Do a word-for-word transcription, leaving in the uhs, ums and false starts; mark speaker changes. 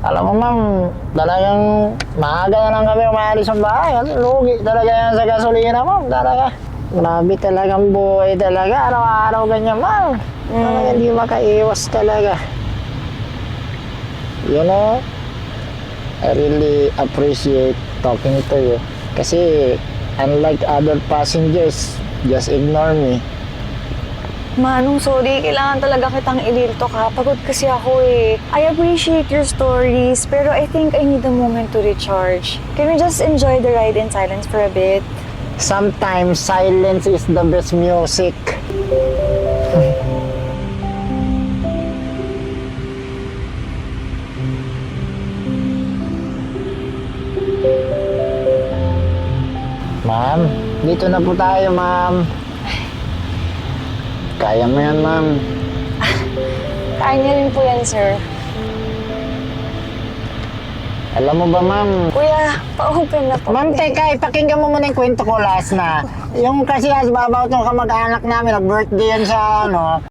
Speaker 1: Alam mo ma'am, talagang maaga na lang kami umalis ng bahay. Kasi lugi talaga yan sa gasolina ma'am, talaga. Grabe talagang buhay talaga, araw-araw ganyan ma'am. Talaga hindi makaiwas talaga. You know, I really appreciate talking to you. Kasi unlike other passengers, just ignore me.
Speaker 2: Manong, sorry. Kailangan talaga kitang ililto ka. Pagod kasi ako eh. I appreciate your stories, pero I think I need a moment to recharge. Can we just enjoy the ride in silence for a bit?
Speaker 1: Sometimes silence is the best music. Ma'am, dito na po tayo, ma'am. Kaya mo yan, ma'am.
Speaker 2: Kaya niya rin po yan, sir.
Speaker 1: Alam mo ba, ma'am?
Speaker 2: Kuya, pa-open na po.
Speaker 1: Ma'am, teka, ipakinggan mo muna yung kwento ko last na. Yung kasi as babaw itong kamag-anak namin, nag-birthday yan sa ano,